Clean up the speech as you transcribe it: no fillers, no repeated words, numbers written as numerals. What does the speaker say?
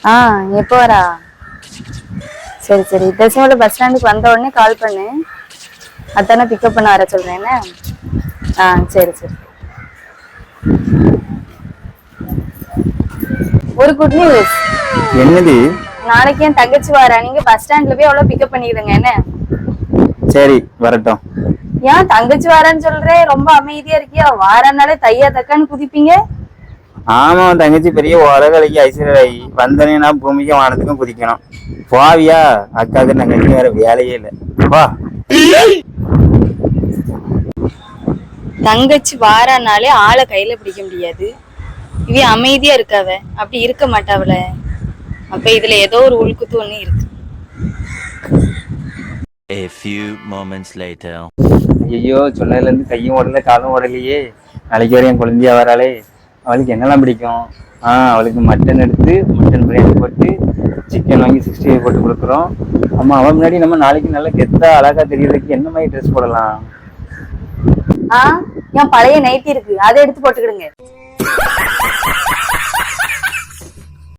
எப்போ வரா? சரி சரி, தசமோட பஸ் ஸ்டாண்டுக்கு வந்த உடனே கால் பண்ணு. அதானே பிக்கப் பண்ண வர சொல்றேன் என்ன? சரி சரி. ஒரு குட் நியூஸ். என்னது? நாளைக்கு என் தங்கச்சி வாரா, நீங்க பஸ் ஸ்டாண்ட்ல போய் அவ்வளவு பிக்கப் பண்ணிடுங்க என்ன? சரி வரட்டும். ஏன் தங்கச்சி வாரான்னு சொல்றேன், ரொம்ப அமைதியா இருக்கியா? வாரனாலே தையா தக்கான்னு குதிப்பீங்க. ஆமா, தங்கச்சி பெரிய உலகலைக்கு ஐஸ்வர்யாயி வந்தனேன்னா பூமிக்கும் வானத்துக்கும் குதிக்கணும். போவியா? அக்காவுக்கு தங்கச்சி வேற வேலையே இல்லை. வா. தங்கச்சி வாரானாலே ஆளை கையில பிடிக்க முடியாது. இவ அமைதியா இருக்காவ, அப்படி இருக்க மாட்டாவல. அப்ப இதுல ஏதோ ஒரு உள்குத்து ஒண்ணு இருக்கு. A few moments later. ஐயோ, சொன்னதுல இருந்து கையும் ஓடல காலும் ஓடலையே. நாளைக்கு வரையும் குழந்தையா வராளே. அவளுக்கு என்னெல்லாம் பிடிக்கும்? அவளுக்கு மட்டன் எடுத்து மட்டன் பிரியாணி போட்டு சிக்கன் வாங்கி 65 போட்டு கொடுக்குறோம். ஆமா, அவன் முன்னாடி நம்ம நாளைக்கு நல்லா கெத்தா அழகா தெரியறதுக்கு என்ன மாதிரி ட்ரெஸ் போடலாம்? என் பழைய நைட்டி இருக்கு, அதை எடுத்து போட்டுக்கிடுங்க.